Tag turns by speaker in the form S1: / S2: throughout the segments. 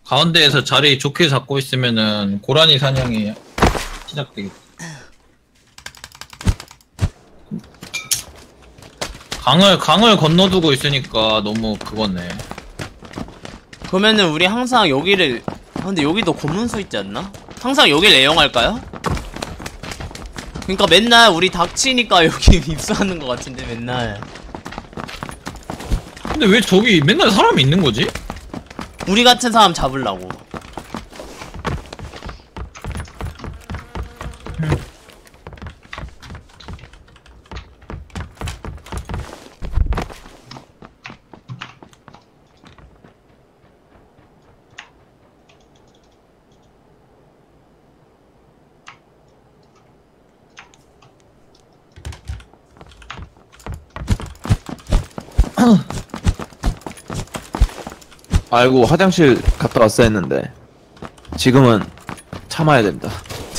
S1: 가운데에서 자리 좋게 잡고 있으면은 고라니 사냥이 시작되겠다. 강을 건너두고 있으니까 너무 그거네.
S2: 그러면은 우리 항상 여기를 근데 여기도 검문소 있지 않나? 항상 여길 애용할까요? 그니까 맨날 우리 닥치니까 여기 입수하는 것 같은데 맨날.
S1: 근데 왜 저기 맨날 사람이 있는 거지?
S2: 우리 같은 사람 잡으려고.
S3: 아이고 화장실 갔다 왔어 했는데 지금은 참아야 된다.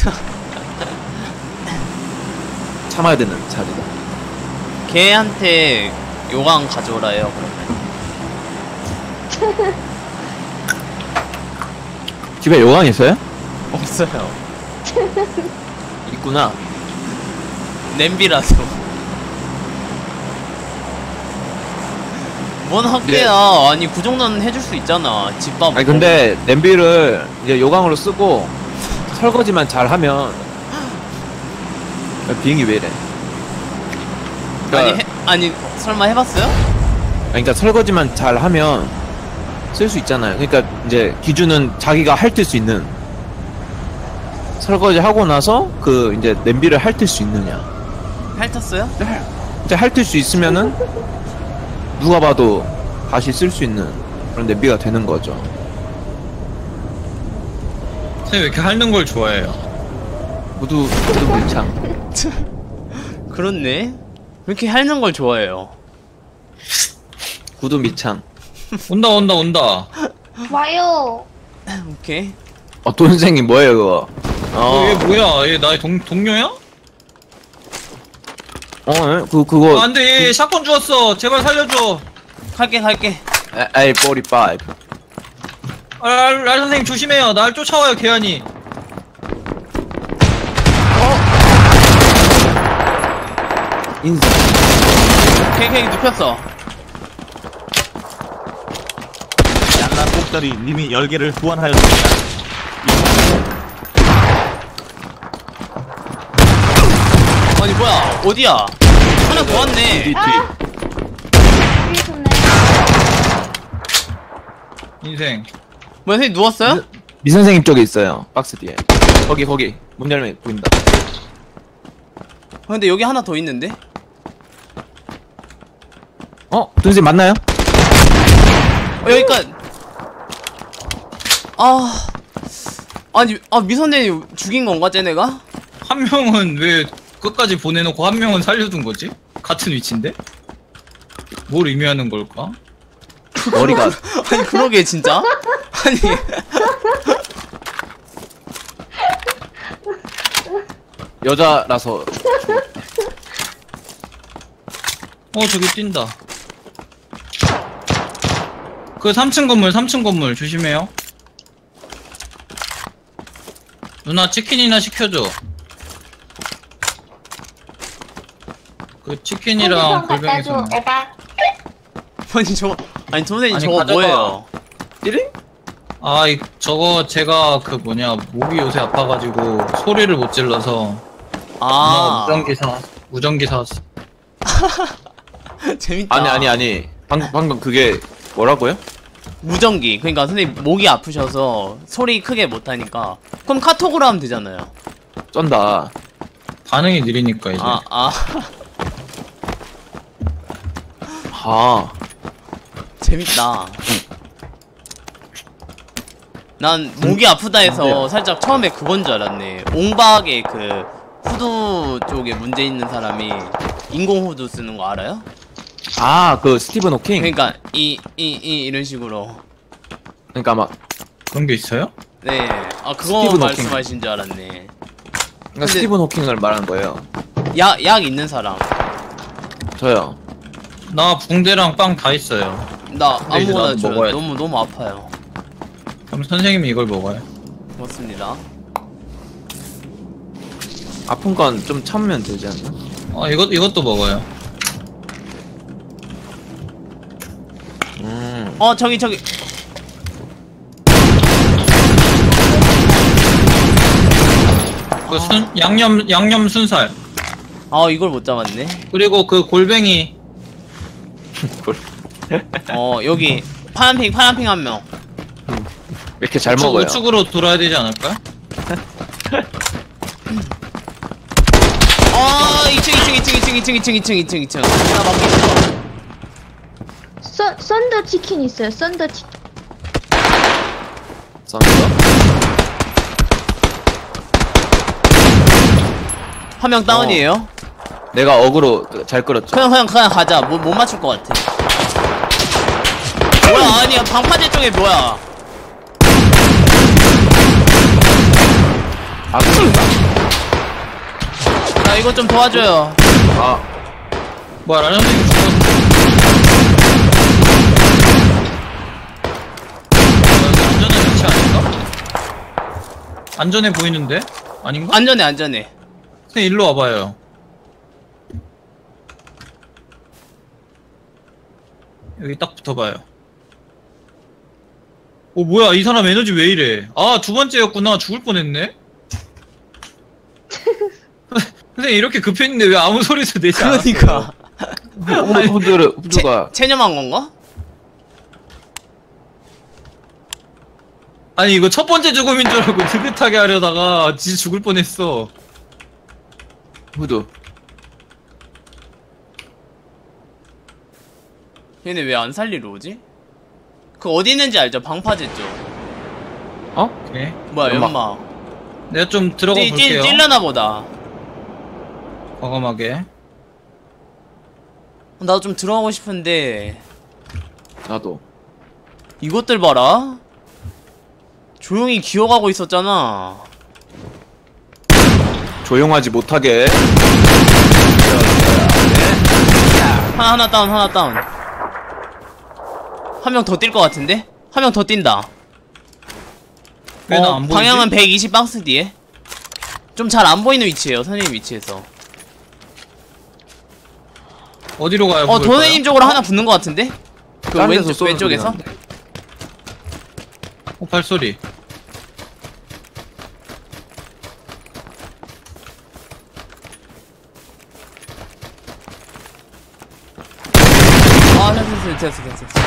S3: 참아야 되는 자리다.
S2: 걔한테 요강 가져오라 해요 그러면.
S3: 집에 요강 있어요?
S2: 없어요.
S3: 있구나.
S2: 냄비라서. 뭔 학계야. 아니 그 정도는 해줄 수 있잖아. 집밥.
S3: 아니 근데 냄비를 이제 요강으로 쓰고 설거지만 잘 하면 비행기 왜 이래? 그러니까,
S2: 아니 설마 해봤어요?
S3: 그러니까 설거지만 잘 하면 쓸 수 있잖아요. 그러니까 이제 기준은 자기가 핥을 수 있는, 설거지 하고 나서 그 이제 냄비를 핥을 수 있느냐.
S2: 핥았어요?
S3: 이제 핥을 수 있으면은 누가 봐도 다시 쓸 수 있는 그런 냄비가 되는 거죠.
S1: 선생님 왜 이렇게 핥는 걸 좋아해요?
S3: 모두 물창.
S2: 그렇네. 왜 이렇게 핥는 걸 좋아해요?
S3: 구두 밑창.
S1: 온다.
S4: 와요.
S2: 오케이.
S3: 돈생이 뭐예요 그거?
S1: 얘 뭐야? 얘 나의 동료야?
S3: 그거.
S1: 안돼, 얘 샷건 주웠어. 제발 살려줘.
S2: 갈게.
S3: A45.
S1: 랄 선생님 조심해요. 날 쫓아와요, 개안이.
S3: 인사.
S2: 케이크 눕혔어.
S5: 양날 꼭다리 님이 열개를 후원하였습니다.
S2: 아니 뭐야 어디야? 하나 더 왔네.
S3: 뒤.
S4: 위에 좋네.
S1: 인생.
S2: 뭐야 선생님 누웠어요?
S3: 미 선생님 쪽에 있어요. 박스 뒤에. 거기 문 열면 보인다.
S2: 근데 여기 하나 더 있는데?
S3: 돈생 맞나요?
S2: 여기까지. 아니 미선생님 죽인 건가 쟤네가?
S1: 한 명은 왜 끝까지 보내놓고 한 명은 살려둔 거지? 같은 위치인데? 뭘 의미하는 걸까?
S3: 머리가.
S2: 아니 그러게 진짜? 아니
S3: 여자라서.
S1: 저기 뛴다. 그 3층 건물 조심해요. 누나 치킨이나 시켜줘. 그 치킨이랑 골뱅이서.
S4: 에바.
S2: 아니 저거 아니 선생님
S1: 아니,
S2: 저거
S1: 가져가.
S2: 뭐예요?
S3: 띠링?
S1: 저거 제가 그 목이 요새 아파가지고 소리를 못 질러서 누나가 무전기 사왔어.
S2: 재밌다.
S3: 아니. 방금 그게 뭐라고요?
S2: 무전기. 그러니까 선생님 목이 아프셔서 소리 크게 못하니까 그럼 카톡으로 하면 되잖아요.
S3: 쩐다.
S1: 반응이 느리니까 이제.
S2: 재밌다. 난 목이 아프다 해서 살짝 처음에 그건 줄 알았네. 옹박의 그 후드 쪽에 문제 있는 사람이 인공 후드 쓰는 거 알아요?
S3: 그 스티븐 호킹.
S2: 그러니까 이런 식으로.
S3: 그러니까 막
S1: 그런 게 있어요?
S2: 네. 그거
S3: 스티븐 호킹.
S2: 말씀하신 줄 알았네.
S3: 그러니까 스티븐 호킹을 말하는 거예요.
S2: 약 있는 사람.
S3: 저요.
S1: 나 붕대랑 빵 다 있어요.
S2: 나
S1: 근데 이제
S2: 아무거나
S1: 나도
S2: 줘요.
S1: 먹어야지.
S2: 너무 아파요.
S1: 그럼 선생님이 이걸 먹어요.
S2: 고맙습니다.
S3: 아픈 건 좀 참으면 되지 않나?
S1: 이것도 먹어요.
S2: 저기
S1: 그 양념 순살.
S2: 이걸 못 잡았네.
S1: 그리고 그 골뱅이.
S2: 여기 파란핑 한 명.
S3: 왜 이렇게 잘 먹어요?
S1: 우측으로 돌아야 되지 않을까?
S2: 2층. 나 맞기 싫어.
S4: 썬더 치킨 있어요. 썬더 치킨.
S3: 썬더?
S2: 한 명 다운이에요.
S3: 내가 어그로 잘 끌었죠.
S2: 그냥 가자. 못 맞출 것 같아. 뭐야, 아니야. 방파제 쪽에 뭐야.
S3: 아, 그런가?
S2: 나 이거 좀 도와줘요.
S3: 아,
S1: 뭐야, 라면 선생님 죽었는데. 여기 안전한 위치 아닌가? 안전해 보이는데? 아닌가?
S2: 안전해.
S1: 선생님 일로 와봐요. 여기 딱 붙어봐요. 뭐야, 이 사람 에너지 왜 이래? 두 번째였구나. 죽을 뻔했네? 선생님 이렇게 급했는데 왜 아무 소리도 내지 않았어요?
S2: 그러니까.
S3: 후드가
S2: 체념한 건가?
S1: 아니 이거 첫 번째 죽음인 줄 알고 느긋하게 하려다가 진짜 죽을 뻔했어.
S3: 후드.
S2: 얘네 왜 안 살리러 오지? 그 어디 있는지 알죠? 방파제 쪽.
S1: 오케이.
S2: 뭐야,
S3: 연막.
S2: 연막.
S1: 내가 좀 들어가 볼게요.
S2: 찔려나 보다.
S1: 과감하게.
S2: 나도 좀 들어가고 싶은데
S3: 나도.
S2: 이것들 봐라. 조용히 기어가고 있었잖아.
S3: 조용하지 못하게.
S2: 하나 다운. 한 명 더 뛸 것 같은데? 한 명 더 뛴다.
S1: 왜 나 안 보이지?
S2: 방향은 120 박스 뒤에. 좀 잘 안 보이는 위치에요, 선생님 위치에서.
S1: 어디로 가요?
S2: 도네님 쪽으로 하나 붙는 것 같은데? 그
S3: 다른 데서 쏘는
S2: 왼쪽에서?
S3: 소리 나는데.
S1: 발소리.
S2: 됐어.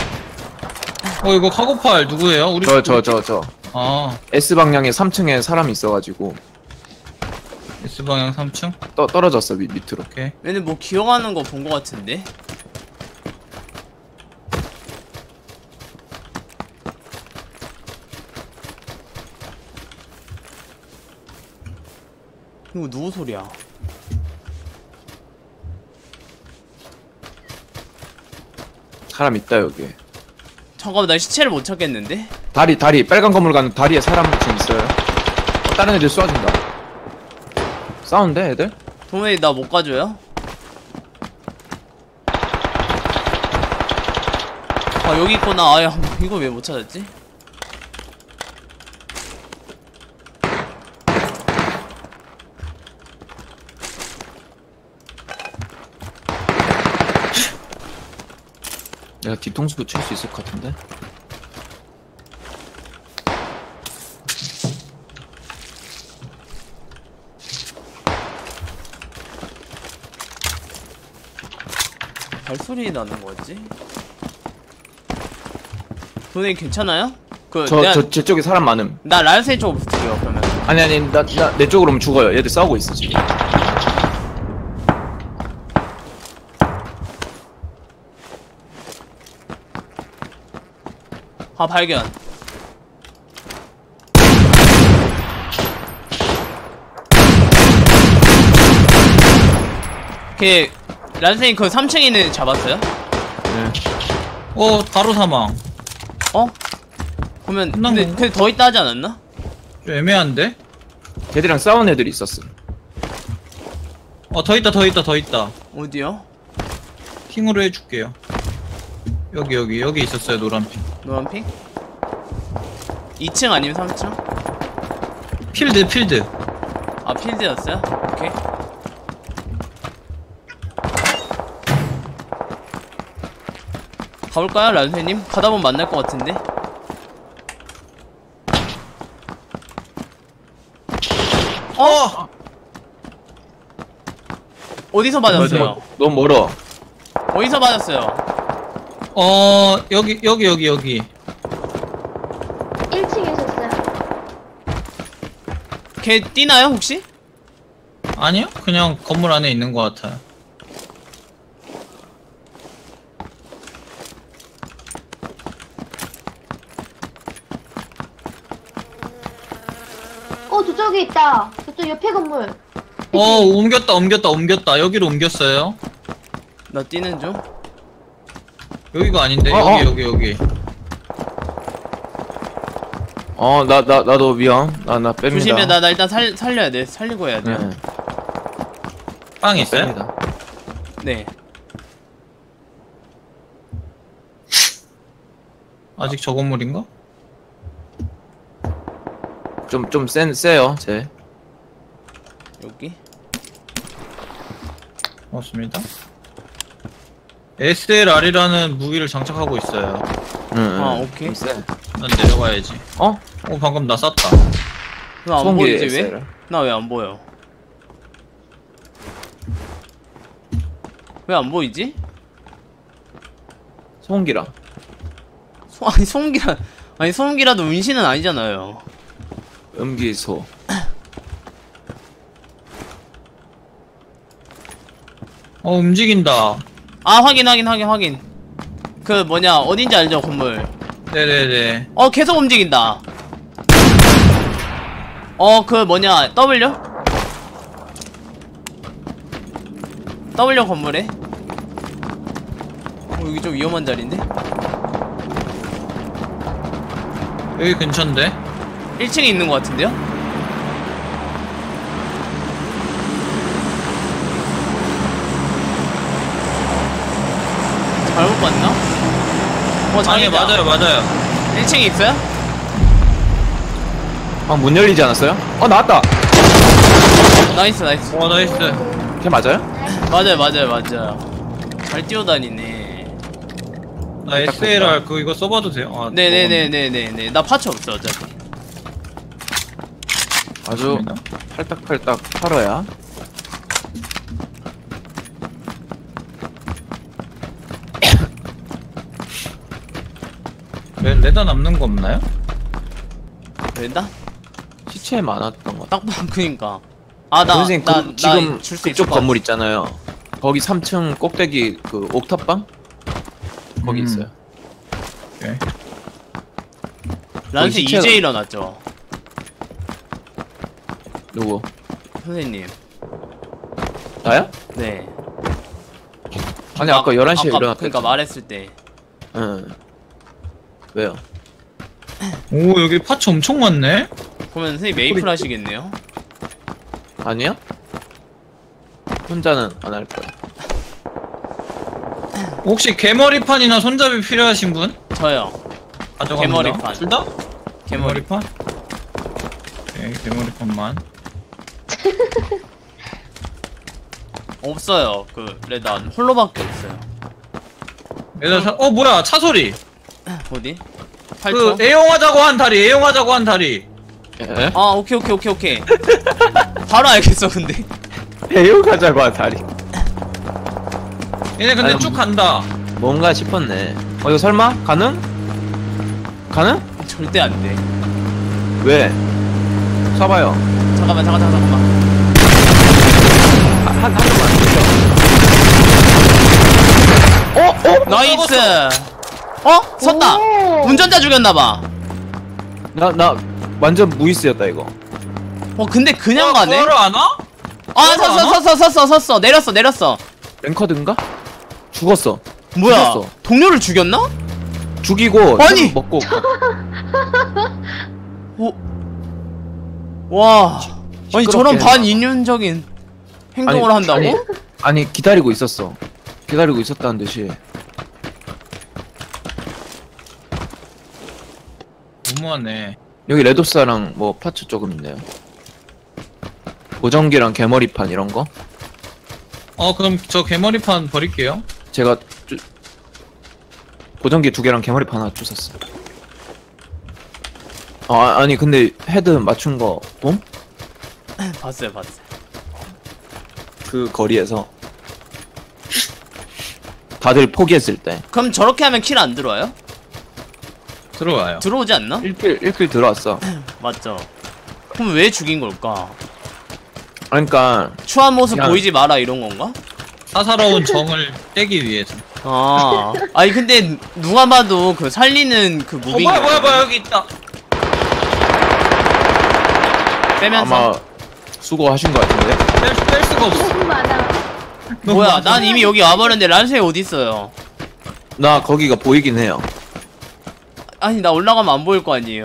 S1: 이거 카고팔 누구예요? 우리
S3: 저.
S1: 아,
S3: S방향에 3층에 사람이 있어가지고
S1: S방향 3층?
S3: 떨어졌어 밑으로.
S1: 오케이.
S2: 얘네 뭐 기어가는 거 본 것 같은데? 이거 누구 소리야?
S3: 사람 있다 여기.
S2: 잠깐만, 나 시체를 못 찾겠는데?
S3: 다리 빨간 건물 가는 다리에 사람 지금 있어요. 다른 애들 쏘아준다. 싸운데 애들?
S2: 도메이 나 못 가줘요? 여기 있구나. 아야, 이걸 왜 못 찾았지?
S3: 내가 뒤통수도 칠 수 있을 것 같은데.
S2: 발소리 나는 거지? 도네이 괜찮아요?
S3: 제 쪽에 사람 많음.
S2: 나 라이센 쪽으로 붙을게요, 그러면.
S3: 아니 내 쪽으로 오면 죽어요. 얘들 싸우고 있어 지금.
S2: 발견. 라이센이 그 3층에 있는 애 잡았어요?
S3: 네.
S1: 바로 사망.
S2: 그러면
S1: 끝난 건가?
S2: 근데 더 있다 하지 않았나?
S1: 좀 애매한데?
S3: 걔들이랑 싸운 애들이 있었어.
S1: 더 있다.
S2: 어디요?
S1: 핑으로 해줄게요. 여기 있었어요, 노란핑.
S2: 노란핑? 2층 아니면 3층?
S1: 필드.
S2: 아 필드였어요? 오케이. 가볼까요 란세님? 가다보면 만날 것 같은데. 어디서 맞았어요?
S3: 너무 멀어.
S2: 어디서 맞았어요?
S1: 여기.
S4: 1층에 있었어요.
S2: 걔 뛰나요 혹시?
S1: 아니요? 그냥 건물 안에 있는 것 같아요.
S4: 저쪽에 있다. 저쪽 옆에 건물.
S1: 옮겼다. 여기로 옮겼어요.
S2: 나 뛰는 중.
S1: 여기가 아닌데, 여기.
S3: 나도 위험. 나 뺍니다.
S2: 조심해. 나 일단 살려야 돼. 살리고 해야 돼.
S3: 네.
S1: 빵 있어요?
S3: 뺍니다.
S2: 네.
S1: 아직 저 건물인가?
S3: 좀 세요, 쟤.
S2: 여기.
S1: 맞습니다. SLR이라는 무기를 장착하고 있어요.
S3: 응,
S2: 아, 오케이.
S3: 좀 세.
S1: 난 내려가야지.
S3: 어?
S1: 방금 나 쐈다.
S2: 왜 안
S3: 소음기
S2: 보이지 왜?
S3: SLR.
S2: 나 왜 안 보여? 왜 안 보이지?
S3: 소음기랑.
S2: 아니 소음기라도 운신은 아니잖아요.
S3: 음기소.
S1: 움직인다.
S2: 아 확인. 그 뭐냐 어딘지 알죠 건물.
S1: 네네네.
S2: 계속 움직인다. 그 뭐냐 W 건물에. 여기 좀 위험한 자리인데?
S1: 여기 근처인데?
S2: 1층에 있는 것 같은데요? 잘못 봤나?
S1: 아니,
S2: 장애다.
S1: 맞아요.
S2: 1층에 있어요?
S3: 문 열리지 않았어요? 나왔다!
S2: 나이스.
S1: 나이스.
S3: 걔 맞아요?
S2: 맞아요. 잘 뛰어다니네.
S1: 나 SLR 이거 써봐도 돼요?
S2: 네네네네네. 나 파츠 없어 어차피.
S3: 아주
S1: 맞습니다.
S3: 팔딱팔딱 팔아야.
S1: 레다 남는 거 없나요?
S2: 된다?
S3: 시체에 많았던 것 같아.
S2: 딱 보면 그니까.
S3: 선생님, 지금
S2: 줄 수 있을
S3: 그쪽
S2: 것
S3: 건물 있잖아요. 거기 3층 꼭대기 그 옥탑방? 거기 있어요.
S1: 오케이.
S2: 란스
S3: 시체가-
S2: 이제 일어났죠.
S3: 누구?
S2: 선생님.
S3: 나야?
S2: 네.
S3: 아니 아까 11시에 일어났다.
S2: 그러니까 말했을 때.
S3: 응. 왜요?
S1: 오, 여기 파츠 엄청 많네?
S2: 그러면 선생님 메이플 하시겠네요?
S3: 아니야? 혼자는 안 할 거야.
S1: 혹시 개머리판이나 손잡이 필요하신 분?
S2: 저요.
S1: 가져갑니다.
S2: 개머리판.
S1: 둘 다?
S2: 개머리.
S1: 개머리판? 오케이, 개머리판만.
S2: 없어요. 레단 홀로밖에 없어요.
S1: 뭐야, 차 소리!
S2: 어디?
S1: 그,
S2: 8초?
S1: 애용하자고 한 다리.
S3: 예?
S2: 아 오케이. 바로 알겠어 근데.
S3: 배우가자고 한 다리.
S1: 얘네 근데
S3: 아니,
S1: 쭉 간다.
S3: 뭔가 싶었네. 이거 설마? 가능?
S2: 절대 안 돼.
S3: 왜? 쏴봐요.
S2: 잠깐만.
S3: 한 번만.
S2: 나이스. 섰다.
S4: 오.
S2: 운전자 죽였나봐.
S3: 나 완전 무이스였다 이거.
S2: 근데 그냥 가네.
S1: 구하러 안 와?
S2: 섰어. 내렸어.
S3: 랭커드인가? 죽었어.
S2: 뭐야?
S3: 죽였어.
S2: 동료를 죽였나?
S3: 죽이고
S2: 아니!
S3: 템 먹고
S2: 와. 아니
S3: 시끄럽게
S2: 저런
S3: 했나?
S2: 반인륜적인 행동을 한다고?
S3: 아니 기다리고 있었어. 기다리고 있었다는 듯이.
S1: 너무하네.
S3: 여기 레도사랑 뭐 파츠 조금 있네요. 보정기랑 개머리판 이런 거.
S1: 그럼 저 개머리판 버릴게요.
S3: 제가 보정기 2개랑 개머리판 하나 주웠어. 아니 근데 헤드 맞춘 거 봄?
S2: 봤어요.
S3: 그 거리에서 다들 포기했을 때
S2: 그럼 저렇게 하면 킬 안 들어와요?
S1: 들어와요.
S2: 들어오지 않나?
S3: 1킬 들어왔어.
S2: 맞죠. 그럼 왜 죽인 걸까?
S3: 그러니까
S2: 추한 모습
S3: 그냥-
S2: 보이지 마라 이런 건가?
S1: 사사로운 정을 떼기 위해서.
S2: 아니 근데 누가 봐도 그 살리는 그 무빙
S1: 뭐야 여기 있다.
S2: 빼면서
S3: 아마 수고하신 거 같은데.
S1: 뺄 수가 없어.
S4: 너무 많아.
S2: 뭐야 난 이미 여기 와버렸는데 란쉐이 어딨어요?
S3: 나 거기가 보이긴 해요.
S2: 아니 나 올라가면 안 보일 거 아니에요.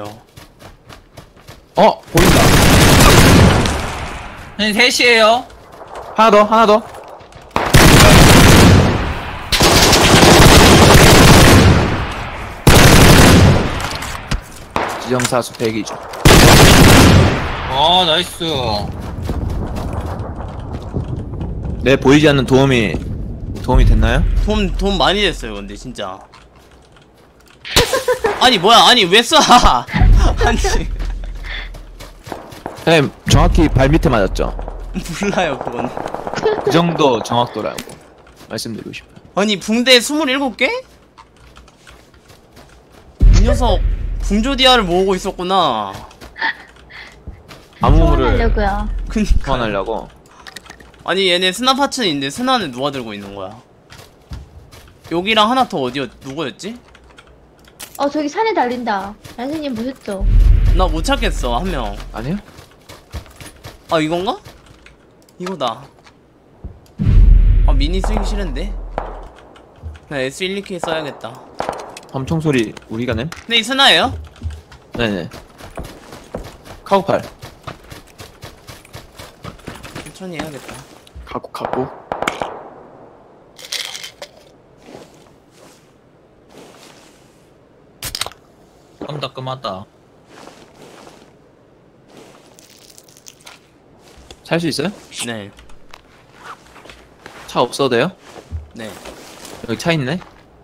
S3: 보인다.
S1: 한 3시에요.
S3: 하나 더. 지정사수 100이죠.
S1: 나이스.
S3: 내 보이지 않는 도움이 됐나요?
S2: 돈 많이 됐어요 근데 진짜. 아니 뭐야 아니 왜 쏴? 아니
S3: 네, 정확히 발 밑에 맞았죠.
S2: 몰라요 그건.
S3: 그 정도 정확도라고 말씀드리고 싶어요.
S2: 아니 붕대 27개? 이 녀석 붕조디아를 모으고 있었구나.
S3: 암호물을
S4: 소환하려고요.
S2: 그니까.
S3: 소환하려고.
S2: 아니 얘네 스나 파츠는 있는데 스나는 누가 들고 있는 거야? 여기랑 하나 더 누구였지?
S4: 저기 산에 달린다. 선생님 보셨죠?
S2: 나 못 찾겠어 한 명.
S3: 아니요?
S2: 아 이건가? 이거다. 미니 쓰기 싫은데? 나 S12K 써야겠다.
S3: 엄청 소리 우리가 냄?
S2: 근데 이 스나예요?
S3: 네네. 카우팔.
S2: 천천히 해야겠다.
S3: 갖고.
S1: 깜닥끔하다.
S3: 살 수 있어요?
S2: 네.
S3: 차 없어도 돼요?
S2: 네.
S3: 여기 차 있네.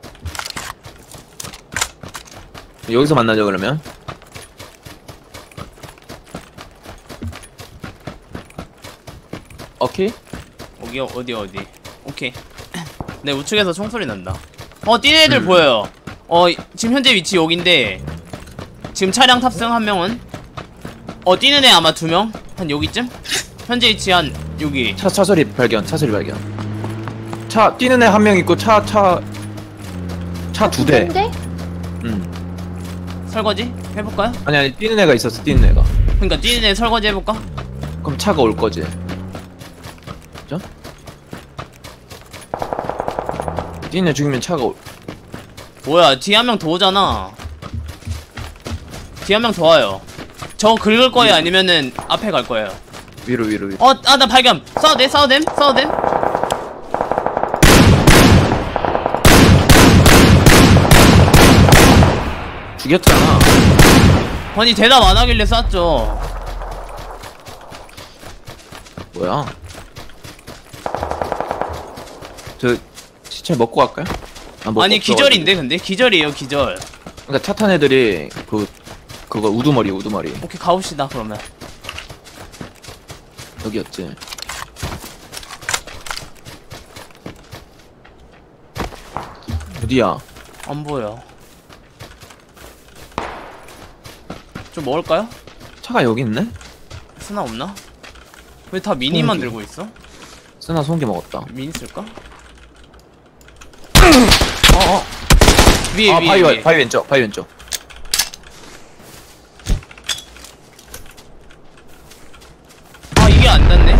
S3: 여기서 만나죠 그러면. 오케이.
S2: 여기 어디 오케이. 네 우측에서 총소리 난다. 뛰는 애들 보여요. 지금 현재 위치 여긴데 지금 차량 탑승 한 명은 뛰는 애 아마 2명? 한 여기쯤? 현재 위치 한 여기.
S3: 차 소리 발견. 차 뛰는 애 한 명 있고 차 2대.
S4: 근데
S2: 설거지 해볼까요?
S3: 아니 뛰는 애가 있었어. 뛰는 애가.
S2: 그러니까 뛰는 애 설거지 해볼까?
S3: 그럼 차가 올 거지. 그죠? 뛰는 애 죽이면 차가 올.
S2: 뭐야 뒤에 한 명 더 오잖아. 뒤에 한 명 더 와요. 저 긁을 거예요 아니면은 앞에 갈 거예요?
S3: 위로.
S2: 나 발견. 싸워댐.
S3: 죽였잖아.
S2: 아니 대답 안 하길래 쐈죠.
S3: 뭐야? 저 시체 먹고 갈까요? 먹고
S2: 아니
S3: 없어가지고.
S2: 기절인데 근데 기절이에요 기절.
S3: 그러니까 차 탄 애들이 그거 우두머리.
S2: 오케이 가봅시다 그러면.
S3: 여기였지. 어디야?
S2: 안 보여. 좀 먹을까요?
S3: 차가 여기 있네?
S2: 스나 없나? 왜 다 미니만
S3: 송기.
S2: 들고 있어?
S3: 쓰나 송기 먹었다.
S2: 미니 쓸까?
S3: 어어.
S2: 위에 위에.
S3: 바위 왼쪽.
S2: 이게 안 닿네.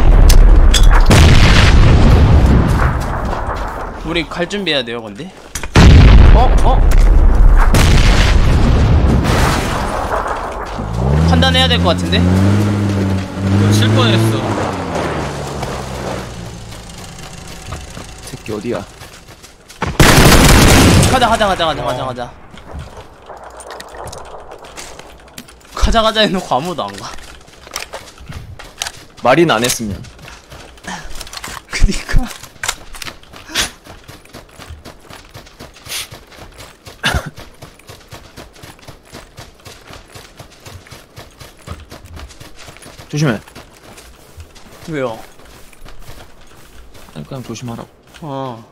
S2: 우리 갈 준비해야 돼요 근데. 판단해야 될 것 같은데?
S1: 칠 뻔했어.
S3: 새끼 어디야?
S2: 가자. 가자 가자 해놓고 아무도 안 가.
S3: 말이나 안 했으면.
S2: 그니까.
S3: 조심해.
S2: 왜요?
S3: 아니, 그냥 조심하라고.
S2: 어.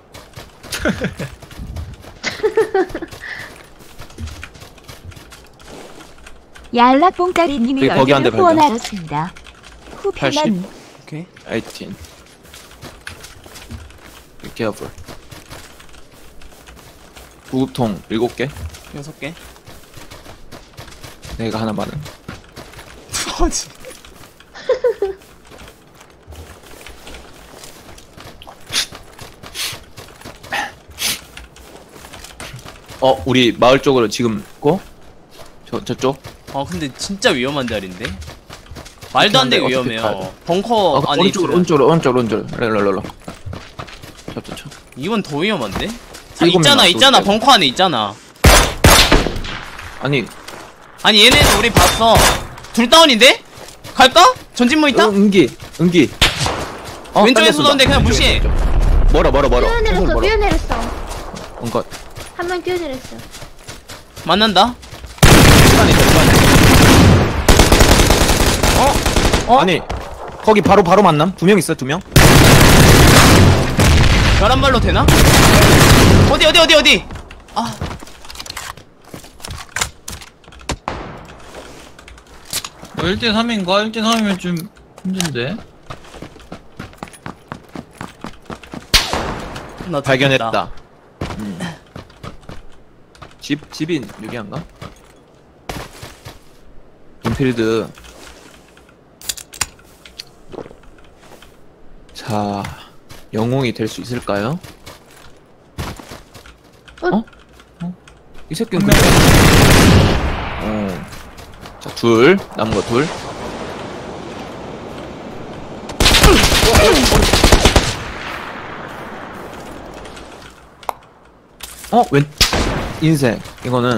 S6: 얄락봉따리님이
S3: 저기 거기 한 대
S6: 10개를 후원하였습니다. 후편은
S3: 80.
S2: 오케이.
S3: 18. Be careful. 구급통 7개.
S2: 6개.
S3: 내가 하나 많은.
S2: 뭐지?
S3: 우리 마을 쪽으로 지금 고? 저쪽?
S2: 근데 진짜 위험한 자리인데? 말도 안 되게
S3: 어떻게
S2: 위험해요.
S3: 가야
S2: 벙커 안에
S3: 오른쪽으로.
S2: 있으면
S3: 랄랄랄라. 저.
S2: 이건 더 위험한데?
S3: 일곱 명
S2: 있잖아.
S3: 놔둘게.
S2: 벙커 안에 있잖아.
S3: 아니,
S2: 아니 얘네는 우리 봤어. 둘 다운인데? 갈까? 전진 모니터?
S3: 은기.
S2: 왼쪽에 쏘던데 그냥 무시해.
S3: 멀어.
S4: 뛰어내렸어, 뛰어내렸어.
S3: 뭔가
S4: 한 명 뛰어내렸어.
S2: 만난다.
S3: 아니, 거기 바로 만남? 2명 있어, 2명?
S2: 11발로 되나? 어디? 아,
S1: 1대3인가? 1대3이면 좀 힘든데?
S2: 나
S3: 발견했다. 집인 유리한가? 인필드. 자, 영웅이 될 수 있을까요? 이 새끼는 그냥. 자, 남은 거 둘. 웬 인생 이거는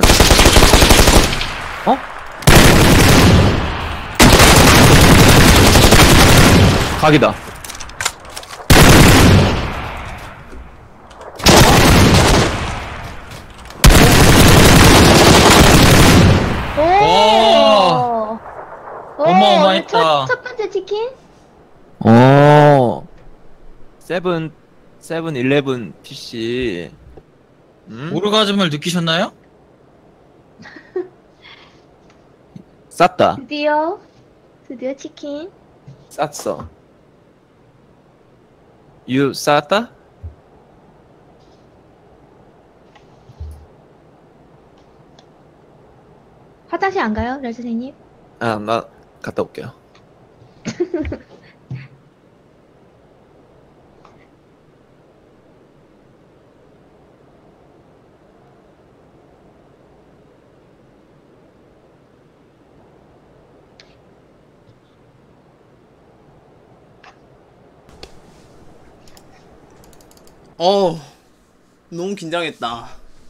S3: 각이다.
S4: 오!
S1: 어마어마했다.
S4: 첫 번째 치킨?
S3: 세븐 PC.
S1: 오르가즘을 느끼셨나요?
S3: 쌌다.
S4: 드디어 치킨.
S3: 쌌어. You 쌌다?
S4: 화장실 안 가요, 랄 선생님?
S3: 나 갔다 올게요.
S2: 너무 긴장했다.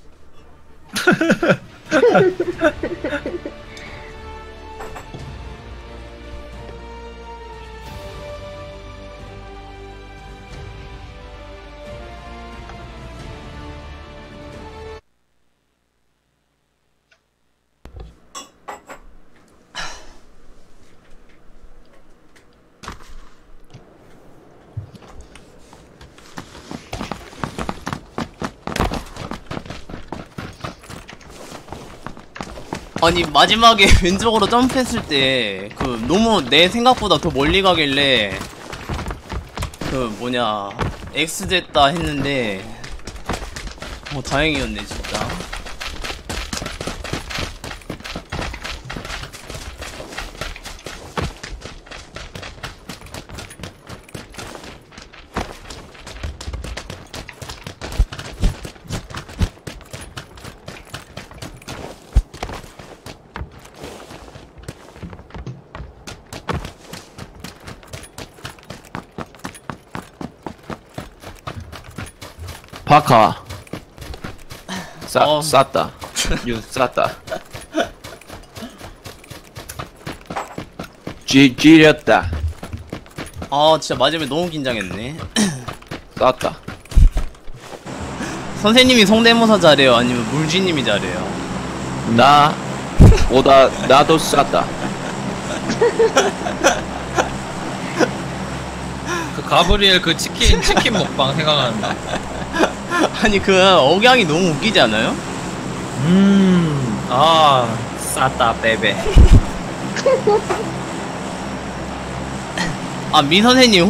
S2: 아니 마지막에 왼쪽으로 점프했을 때 그 너무 내 생각보다 더 멀리 가길래 그 뭐냐 X 됐다 했는데 다행이었네 진짜.
S3: 바카.
S2: 어.
S3: 쌌다. You 쌌다. 지렸다.
S2: 아 진짜 마지막에 너무 긴장했네.
S3: 쌌다.
S2: 선생님이 성대모사 잘해요? 아니면 물지님이 잘해요?
S3: 나도 쌌다.
S1: 그 가브리엘 그 치킨 먹방 생각난다.
S2: 아니 그 억양이 너무 웃기지 않아요?
S1: 싸다 베베.
S2: 아 미 선생님